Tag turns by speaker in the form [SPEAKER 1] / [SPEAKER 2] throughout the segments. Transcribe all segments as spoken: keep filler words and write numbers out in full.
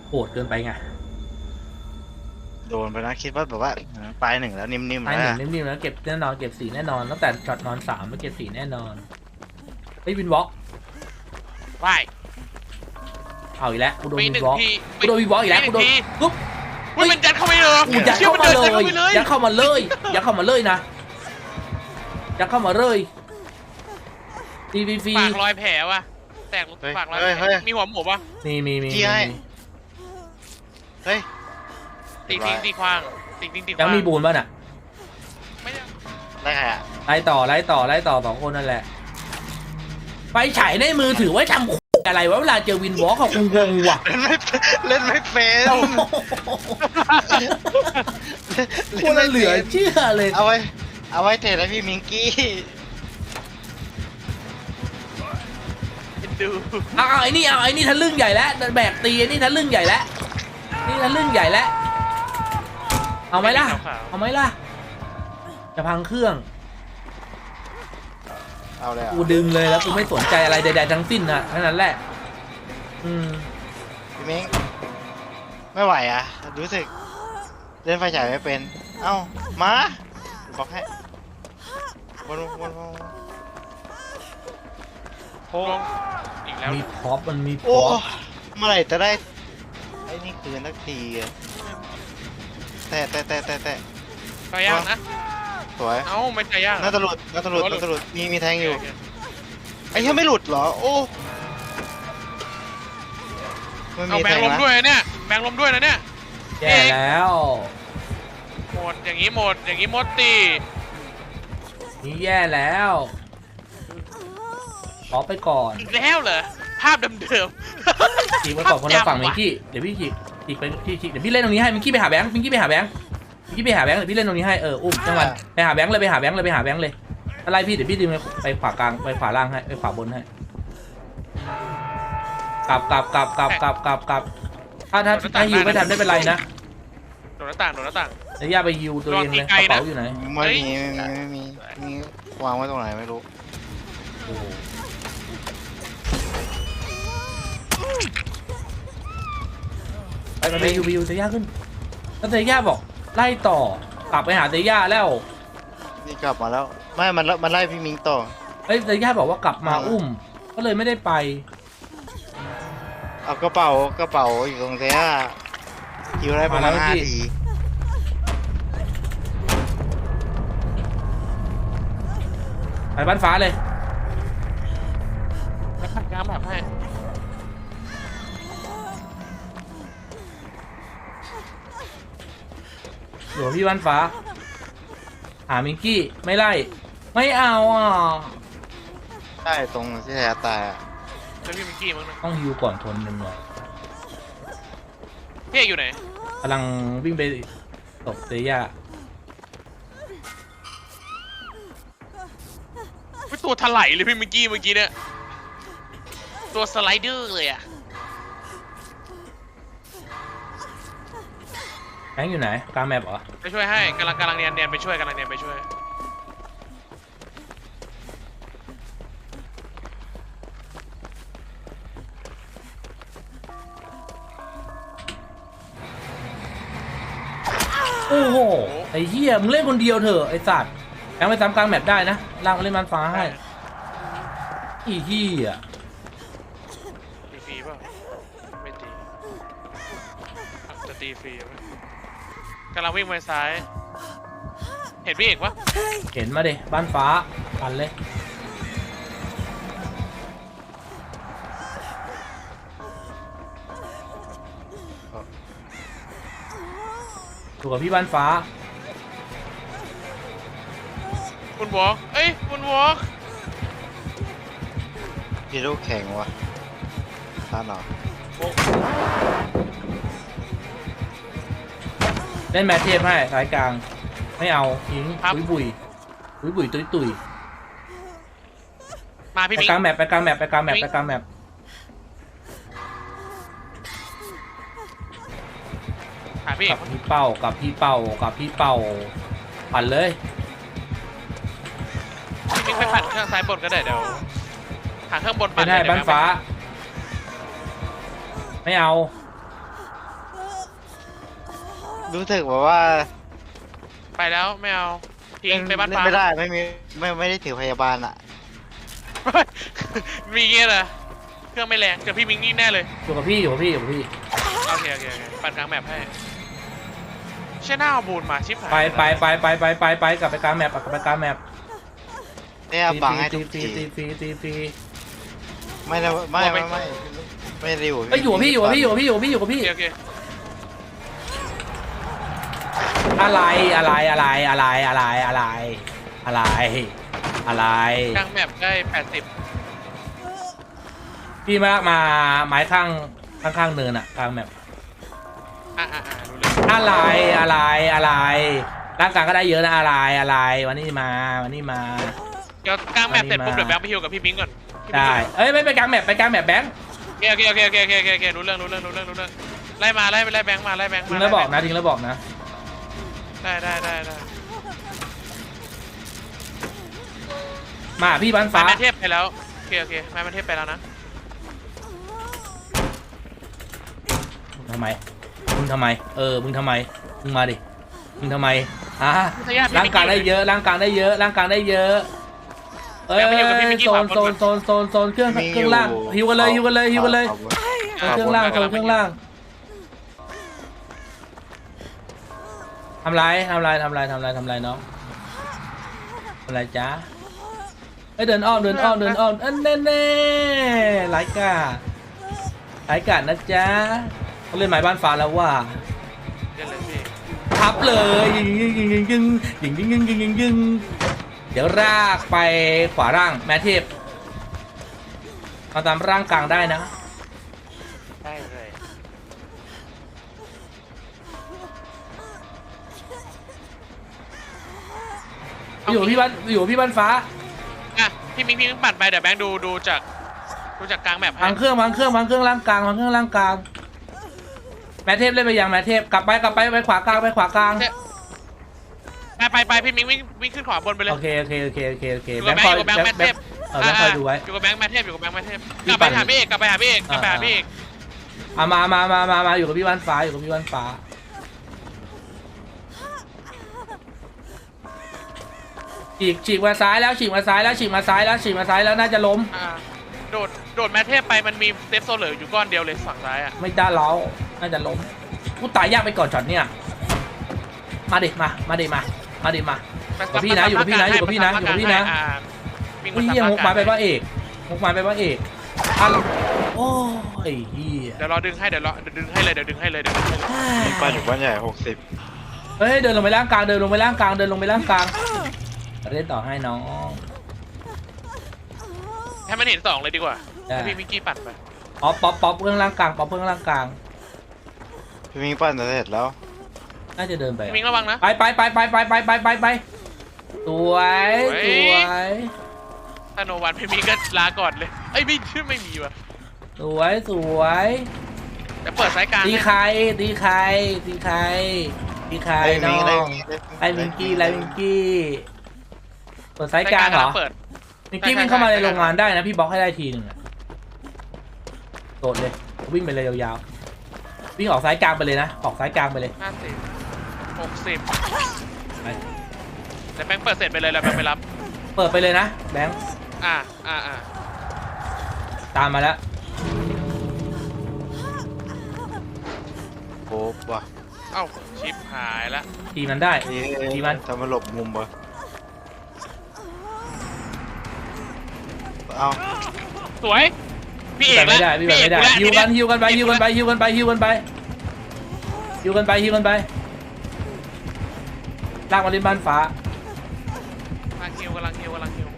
[SPEAKER 1] โหดเกินไปไง
[SPEAKER 2] โดนไปนะคิดว่าแบบว่าปลายหนึ่งแล้วนิ่มๆ
[SPEAKER 1] ไอ้
[SPEAKER 2] แล้ว
[SPEAKER 1] หนึ่งนิ่มๆแล้วเก็บแน่นอนเก็บสี่แน่นอนตั้งแต่ช็อตนอนสามไปเก็บสี่แน่นอนไอ้วินวอล์ก
[SPEAKER 3] ว่าย
[SPEAKER 1] เอาอีกแล้วกูโดน
[SPEAKER 3] มี
[SPEAKER 1] วิ
[SPEAKER 3] หนึ่
[SPEAKER 1] น
[SPEAKER 3] ง
[SPEAKER 1] วอล์ก
[SPEAKER 3] ที
[SPEAKER 1] กูโดนวินวอล์กอีกแล้วกูโดนปุ๊บ
[SPEAKER 3] มันเป็นยัดเข้าไปเลย
[SPEAKER 1] กูยัดเข้ามาเลยยัดเข้ามาเลยยัดเข้ามาเลยนะยัดเข้ามาเลยตีฟรี
[SPEAKER 3] ปากรอยแผลว่ะแตกปากรอยแผลมีหัวหมูป่ะ
[SPEAKER 1] มีมีมี
[SPEAKER 2] เฮ้ย
[SPEAKER 3] ตีทิ้งตีควางตีทิ้งตีควาง
[SPEAKER 1] ยังมีบูนป่ะน่ะ
[SPEAKER 3] ไม่ได้
[SPEAKER 2] ได้ใครอ่ะ
[SPEAKER 1] ไล่ต่อไล่ต่อไล่ต่อสองคนนั่นแหละไฟฉายในมือถือไว้ทำอะไรวะเวลาเจอวินวอล์กของกูงงว่ะ
[SPEAKER 2] เล่นไม่เล่นไม่เป็น
[SPEAKER 1] คนละเหลือเชื่อเลย
[SPEAKER 2] เอาไว้เอาไว้เทรดให้พี่มิงกี้
[SPEAKER 3] ดู
[SPEAKER 1] เอาเอาไอ้นี่เอาไอ้นี่ทะลึ่งใหญ่แล้วแบกตีไอ้นี่ทะลึ่งใหญ่แล้วนี่ทะลึ่งใหญ่แล้วเอาไหมล่ะเอาไหมล่ะจะพังเครื่อง
[SPEAKER 2] เอาเลยอ่ะ
[SPEAKER 1] กูดึงเลยแล้วกูไม่สนใจอะไรใดๆทั้งสิ้นนะแค่นั้นแหละอืม
[SPEAKER 2] พี่มิงไม่ไหวอ่ะรู้สึกเล่นไฟฉายไม่เป็นเอ้ามาบอกให้วนวนวน
[SPEAKER 3] โค้งอีกแล้ว
[SPEAKER 1] มีพ็อปมันมีพ็
[SPEAKER 2] โอ้
[SPEAKER 1] อป
[SPEAKER 2] เมื่อไหร่จะได้ไอ้นี่คืนสักทีอะแต่แต่แต่แต่แต่
[SPEAKER 3] ก็ยากนะ
[SPEAKER 2] สวย
[SPEAKER 3] เอ้าไม่ใช่ยาก
[SPEAKER 2] น่าจะหลุดน่าจะหลุดน่าจะหลุดมีมีแทงอยู่ไอ้เหี้ยไม่หลุดเหรอโอ้ไม่
[SPEAKER 3] เอา
[SPEAKER 2] มี
[SPEAKER 3] แบ
[SPEAKER 2] แท
[SPEAKER 3] ง
[SPEAKER 2] ง
[SPEAKER 3] ลม
[SPEAKER 2] นะ
[SPEAKER 3] ด้วยเนี่ยแบงลมด้วยนะเนี่ย
[SPEAKER 1] แย่แล้ว
[SPEAKER 3] หมดอย่างนี้หมดอย่างนี้หมดตี
[SPEAKER 1] นี่แย่แล้วขอไปก่อน
[SPEAKER 3] อีกแล้วเหรอภาพเดิม
[SPEAKER 1] จีบไปก่อนคนละฝั่งมิงกี้เดี๋ยวพี่จีบจีบไปพี่จีบเดี๋ยวพี่เล่นตรงนี้ให้มิงกี้ไปหาแบงค์มิงกี้ไปหาแบงค์มิงกี้ไปหาแบงค์เดี๋ยวพี่เล่นตรงนี้ให้เอออุ้มจังหวะไปหาแบงค์เลยไปหาแบงค์เลยไปหาแบงค์เลยอะไรพี่เดี๋ยวพี่ดึงไปขวากลางไปขวาล่างให้ไปขวาบนให้กลับกลับกลับกลับกลับกลับกลับถ้าถ้าถ้าฮิวไม่ทันไม่เป็นไรนะ
[SPEAKER 3] ๆโดนหน้าต่างโดนหน้าต่าง
[SPEAKER 1] เดี๋ยวย่าไปฮิวตัวเองเลยกระเป๋าอยู่ไหน
[SPEAKER 2] ไม่มีไม่มีไม่มีมีวางไว้ตรงไหนไม่รู้
[SPEAKER 1] ไปไปไปฮิวไปฮิวเตย่าขึ้นแล้วเตย่าบอกไล่ต่อกลับไปหาเตย่าแล้ว
[SPEAKER 2] นี่กลับมาแล้วไม่มันมันไล่พี่มิงต่อ
[SPEAKER 1] เฮ้ยเตย่าบอกว่ากลับมาอุ้มก็เลยไม่ได้ไป
[SPEAKER 2] เอากระเป๋ากระเป๋าอยู่ตรงเสียอยู่ได้ประมาณห้าที
[SPEAKER 1] ไปบ้านฟ้าเลย
[SPEAKER 3] แล้วขัดกลางแบบให้
[SPEAKER 1] หลวงพี่บ้านฟ้าหามิงกี้ไม่ไล่ไม่เอาอ่ะ
[SPEAKER 2] ได้ตรงที่แท้ตายอ่ะ
[SPEAKER 3] แล้วพี่มิกกี้มั้งนะ
[SPEAKER 1] ต้องฮิวก่อนทนหนึ่งหน่อย
[SPEAKER 3] พี่เอกอยู่ไหน
[SPEAKER 1] กำลังวิ่งไปตบเตย่า
[SPEAKER 3] ไม่ตัวถลายเลยพี่มิกกี้เมื่อกี้เนี่ยตัวสไลเดอร์เลยอะ
[SPEAKER 1] แบงค์อยู่ไหนกลางแมปเหรอ
[SPEAKER 3] ไปช่วยให้กำลังกำลังเนียนเนียนไปช่วยกำลังเนียนไปช่วย
[SPEAKER 1] โอ้โหไอ้เหี้ยมึงเล่นคนเดียวเถอะไอ้สัตว์แบงค์ไปซ้ำกลางแมปได้นะล่างมาเล่นบ้านฟ้าให้อีเหี้ย
[SPEAKER 3] ตีฟรีเปล่าไม่ตีจะตีฟรีไหมกำลังวิ่งไปซ้าย เห็นพี่เอกปะ
[SPEAKER 1] เห็นมาดิบ้านฟ้าปันเลยถูกกับพี่บ้านฟ้า
[SPEAKER 3] คุณวอล์กเอ้ยคุณวอล์ก
[SPEAKER 2] พี่ลูกแข่งวะท่านเหรอ
[SPEAKER 1] เล่นแมทเทพให้สายกลางไม่เอาทิ้งบุยบุยบุยบุยตุยตุย
[SPEAKER 3] มาพี่
[SPEAKER 1] ไป
[SPEAKER 3] มิก
[SPEAKER 1] กลางแมปไปกลางแมปไปกลางแมปไปกลางแมป
[SPEAKER 3] หาพี่เอ
[SPEAKER 1] กั
[SPEAKER 3] ก
[SPEAKER 1] บพี่เป้ากับพี่เป้ากับพี่เป้าปั่นเลย
[SPEAKER 3] พี่มิกไปปั่นเครื่องซ้ายบนก็ได้เดี๋ยวหาเครื่องบนปั่
[SPEAKER 1] ไม่
[SPEAKER 3] น
[SPEAKER 1] ได้
[SPEAKER 3] เลย
[SPEAKER 1] บ้านฟ้า ไม่เอา
[SPEAKER 2] รู้สึกแบบว่า
[SPEAKER 3] ไปแล้วไม่เอาทิ้งไปบ้าน
[SPEAKER 2] เล่
[SPEAKER 3] ฟ้า
[SPEAKER 2] ไม่ได้ไม่มีไม่ไม่ได้ถือพยาบาลอ่ะ
[SPEAKER 3] มีเงี้ยเหรอเครื่องไม่แรงเจอพี่มิงนี่แน่เลย
[SPEAKER 1] อยู่กับพี่อยู่กับพี่อยู่กับพี่
[SPEAKER 3] โอเคโอเคโอเคปั่นกลางแมปให้เช่ยหน้าเอาบูนมาชิปหาย
[SPEAKER 1] ไปไปไปไปไปไปไปกลับไปกลางแมปกลับไปกลางแมป
[SPEAKER 2] เนี่ยบังให้ทุก
[SPEAKER 1] ตี
[SPEAKER 2] ที
[SPEAKER 1] ตีตีตีตี
[SPEAKER 2] ไม่ได้ไม่ไม่ไม่ไม่ได้อยู่
[SPEAKER 1] เอ้ยอยู่กับพี่อยู่กับพี่อยู่กับพี่อยู่กับพี่อยู่กับ
[SPEAKER 3] โอ
[SPEAKER 1] พี่
[SPEAKER 3] เคโอเค
[SPEAKER 1] อะไรอะไรอะไรอะไรอะไรอะไรอะไรอะไร
[SPEAKER 3] กลางแมปได้แปดสิบ
[SPEAKER 1] พี่มามาไม้ข้างข้างข้างเนินอะกลางแมป
[SPEAKER 3] อ่ะอ่ะอ่ะรู้เรื่อง
[SPEAKER 1] อะไรอะไรอะไรร่างกายก็ได้เยอะนะอะไรอะไรวันนี้มาวันนี้มา
[SPEAKER 3] เดี๋ยวกลางแมปเสร็จปุ๊บ
[SPEAKER 1] อันนี้มา
[SPEAKER 3] เดี๋ยวแบงค์ไปฮิวกับพี่มิงก่อนพี่มิง
[SPEAKER 1] ได้
[SPEAKER 3] ก่อน
[SPEAKER 1] เอ้ยไม่ไปกลางแมปไปกลางแมปแบงค์
[SPEAKER 3] โอเคโอเคโอเคโอเคโอเคโอเครู้เรื่องรู้เรื่องรู้เรื่องรู้เรื่องไล่มาไล่ไล่แบงค์มาไล่แบงค์
[SPEAKER 1] ทิ้
[SPEAKER 3] มาง
[SPEAKER 1] แล้วบอกนะ
[SPEAKER 3] ไ
[SPEAKER 1] ทิ้งแล้วบอกนะ
[SPEAKER 3] ได้ได้ได้ได้
[SPEAKER 1] มาพี่บ้าน
[SPEAKER 3] ฟ้า
[SPEAKER 1] ฟ้า
[SPEAKER 3] แมนเทพไปแล้วโอเคโอเคแมนเทพไปแล้วนะ
[SPEAKER 1] ทำไมมึงทำไมเออมึงทำไมมึงมาดิมึงทำไมอ่ะร่างกายได้เยอะร่างกายได้เยอะร่างกายได้เยอะเอ้ยโซนโซนโซนโซนโซนเครื่องเครื่องล่างฮิวกันเลยฮิวกันเลยฮิวกันเลยเครื่องล่างโซนเครื่องล่างทำไรทำไรทำไรทำไรทำไรน้องทำไรจ้าเอ้ยเดินอ้อมเดินอ้อมเดินอ้อมอันแน่แน่ไร้กาไร้กานะจ๊ะเขาเล่นหมายบ้านฟ้าแล้วว่า
[SPEAKER 3] เล่นเลยพี่
[SPEAKER 1] ทับเลยยิงยิงยิงยิงยิงยิงยิงยิงยิงยิงยิงเดี๋ยวรากไปขวาร่างแม่เทพมาตามร่างกลางได้นะ
[SPEAKER 3] ได้เลย
[SPEAKER 1] อยู่พี่บ้านอยู่พี่บ้านฟ้า
[SPEAKER 3] อ่ะพี่มิงพี่มิงปั่นไปเดี๋ยวแบงค์ดูดูจากดูจากกลางแมปให้
[SPEAKER 1] พังเครื่องพังเครื่องพังเครื่องร่างกลางพังเครื่องร่างกลางแม่เทพเล่นไปยังแม่เทพกลับไปกลับไปไปขวากลางไปขวากลาง
[SPEAKER 3] ไปไปไปพี่มิงวิ่งวิ่งขึ้นขวาบนไปเลย
[SPEAKER 1] โอเคโอเคโอเคโอเคโอเค
[SPEAKER 3] อยู่
[SPEAKER 1] แบ
[SPEAKER 3] กับ
[SPEAKER 1] ง
[SPEAKER 3] แบ
[SPEAKER 1] ค์
[SPEAKER 3] ง
[SPEAKER 1] คอย
[SPEAKER 3] ค์อยู่กับแบงค์
[SPEAKER 1] แบ
[SPEAKER 3] แม
[SPEAKER 1] ง
[SPEAKER 3] ท
[SPEAKER 1] ค์
[SPEAKER 3] เทพ
[SPEAKER 1] เออแบงค์คอยดูไว้
[SPEAKER 3] อยู่กับแบงค์แมทเทพอยู่กับแบงค์แมทเทพ
[SPEAKER 1] พี่
[SPEAKER 3] กลับไป
[SPEAKER 1] ปั่น
[SPEAKER 3] หาพี่เอกกลับไปหาพี่เอกกลับไปหาพี่เอก
[SPEAKER 1] อ่ะมามามามามาอยู่กับพี่บ้านฟ้าอยู่กับพี่บ้านฟ้าฉีกฉีกมาซ้ายแล้วฉีกมาซ้ายแล้วฉีกมาซ้ายแล้วฉีกมาซ้ายแล้วน่าจะล้ม
[SPEAKER 3] อ่าโดดโดดแมทเทพไปมันมีเซฟโซเหลืออยู่ก้อนเดียวเลยฝั่งซ้ายอ่ะ
[SPEAKER 1] ไม่ได้แล้วน่าจะล้มกูตายยากไปก่อนช็อตเนี่ยมาดิมามาดิมามาดิมา อยู่กับพี่นะอยู่กับพี่นะอยู่กับพี่นะอยู่กับพี่นะ
[SPEAKER 3] วิ่ง
[SPEAKER 1] อุ้ย
[SPEAKER 3] มา
[SPEAKER 1] เฮีย
[SPEAKER 3] ตาม
[SPEAKER 1] มุกไม้ไป
[SPEAKER 3] ร่างกาย
[SPEAKER 1] ว่าเอกมุกไม้ไปว่าเอกอ่ะโอ้ยเฮีย
[SPEAKER 3] เดี๋ยวรอดึงให้เดี๋ยวรอเดี๋ยวดึงให้เลยเดี๋ยวดึงให้เลยเดี๋ยวดึงให้เลย
[SPEAKER 2] มีบ้านอยู่บ้านใหญ่หกสิบ
[SPEAKER 1] เฮ้ยเดินลงไปล่างกลางเดินลงไปล่างกลางเดินลงไปล่างกลางเล่นต่อให้น้อง
[SPEAKER 3] ให้มันเห็นสองเลยดีกว่า
[SPEAKER 1] ได้
[SPEAKER 3] ให้พี่มิกกี้ปั่นไป
[SPEAKER 1] อ๋อป๊อปป๊อปเครื่องล่างกลางป๊อปเครื่องล่างกลาง
[SPEAKER 2] พี่มิงปั้นเสร็จแล้ว
[SPEAKER 1] น่าจะเดินไป
[SPEAKER 3] พี่มิงระวังนะ
[SPEAKER 1] ไปไปไปไปไปไปไปไปไปสวยสวย
[SPEAKER 3] ถ้าโนวันพี่มิงก็ลาก่อนเลยเอ้ยไม่ชื่อไม่มีว่ะ
[SPEAKER 1] สวยสวย
[SPEAKER 3] เดี๋ยวเปิดสายกลาง
[SPEAKER 1] ตี
[SPEAKER 3] ให้
[SPEAKER 1] ใครตีใครตีใครตีใคร
[SPEAKER 2] ไอ้
[SPEAKER 1] น้
[SPEAKER 2] มิ
[SPEAKER 1] อง
[SPEAKER 2] ง
[SPEAKER 1] งไอ้มิงกี้ไอ้มิงกี้เปิดสายกลางเหรอ
[SPEAKER 3] เปิด
[SPEAKER 1] มิงกี้วิ่งเข้ามาในโรงงานได้นะพี่บล็อกให้ได้ทีหนึ่งอะโดดเลยวิ่งไปเลยยาวๆวิ่งออกสายกลางไปเลยนะออกสายกลางไปเลย
[SPEAKER 3] ห้าสิบหกสิบ
[SPEAKER 1] ไป
[SPEAKER 3] เดี๋ยวแบงค์เปิดเสร็จไปเลยแล้วแบงค์ไปรับ
[SPEAKER 1] เปิดไปเลยนะแบงค์
[SPEAKER 3] อ่าอ่าอ่า
[SPEAKER 1] ตามมาแล้ว
[SPEAKER 2] โอ้ว่ะ
[SPEAKER 3] เอ้าชิปหายละ
[SPEAKER 1] ทีมันได้
[SPEAKER 2] นี่
[SPEAKER 1] ดีมัน
[SPEAKER 2] ทำมาหลบมุมปะเอา
[SPEAKER 3] สวยพี่เอ
[SPEAKER 1] แต่
[SPEAKER 3] ก
[SPEAKER 1] ไม่
[SPEAKER 3] แล้ว
[SPEAKER 1] ได้พี่แบบไม่ได้
[SPEAKER 3] พี่
[SPEAKER 1] ฮิว
[SPEAKER 3] เอก
[SPEAKER 1] กันฮิวกันไปฮิวกันไปฮิวกันไปฮิวกันไปฮิวกันไปฮิวกันไปลากมาเล่นบ้านฟ้าก
[SPEAKER 3] ำลังฮิวกำลังฮิวกำลังฮิว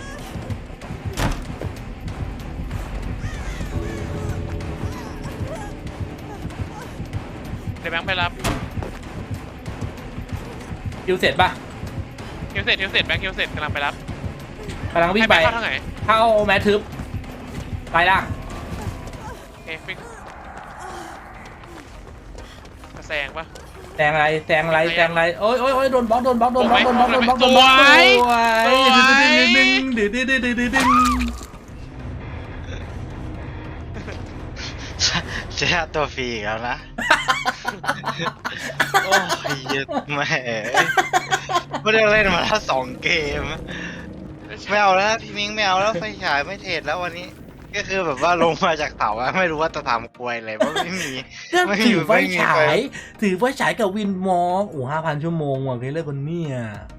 [SPEAKER 3] เดี๋ยวแบงค์ไปรับ
[SPEAKER 1] ฮิวเสร็จป่ะ
[SPEAKER 3] ฮิวเสร็จฮิวเสร็จแบงค์ฮิวเสร็จกำลังไปรับ
[SPEAKER 1] กำลังวิ่ง
[SPEAKER 3] ให้
[SPEAKER 1] ไป
[SPEAKER 3] แบงค์เข้าทางไหน
[SPEAKER 1] เข้าแมททึบไปล่าง
[SPEAKER 3] โอเคฟิกมาแซงปะ
[SPEAKER 1] แซงอะไรแซงอะไรแซงอะไรโอ้ยโอ้ยโอ้ยโดนบล็อกโดนบล็อกโดนบล็อกโดนบล็อกโดนบล็อกโดนบล็อก
[SPEAKER 3] สวย
[SPEAKER 1] สวยดึงดึงดึงดึงดึงดึงดึง
[SPEAKER 2] เจ๊ตัวฟรีอีกแล้วนะ
[SPEAKER 3] โ
[SPEAKER 2] โอ้ยเหี้ยแม่ไม่ได้เล่นมาแล้วสองเกมไม่เอาแล้วพี่มิ้งไม่เอาแล้วไฟฉายไม่เทรดแล้ววันนี้ ก็คือแบบว่าลงมาจากเสาอะไม่รู้ว่าจะทำกลวยอะไรเพราะไม่มี
[SPEAKER 1] ก็
[SPEAKER 2] ไม่
[SPEAKER 1] ถื
[SPEAKER 2] มี
[SPEAKER 1] อไฟ
[SPEAKER 2] ไม่มี
[SPEAKER 1] ฉา
[SPEAKER 2] ไฟ
[SPEAKER 1] ย ถือไฟฉายกับวินมองโอ้ห้าพันชั่วโมงว่ะเคยเลิกคนเนี่ย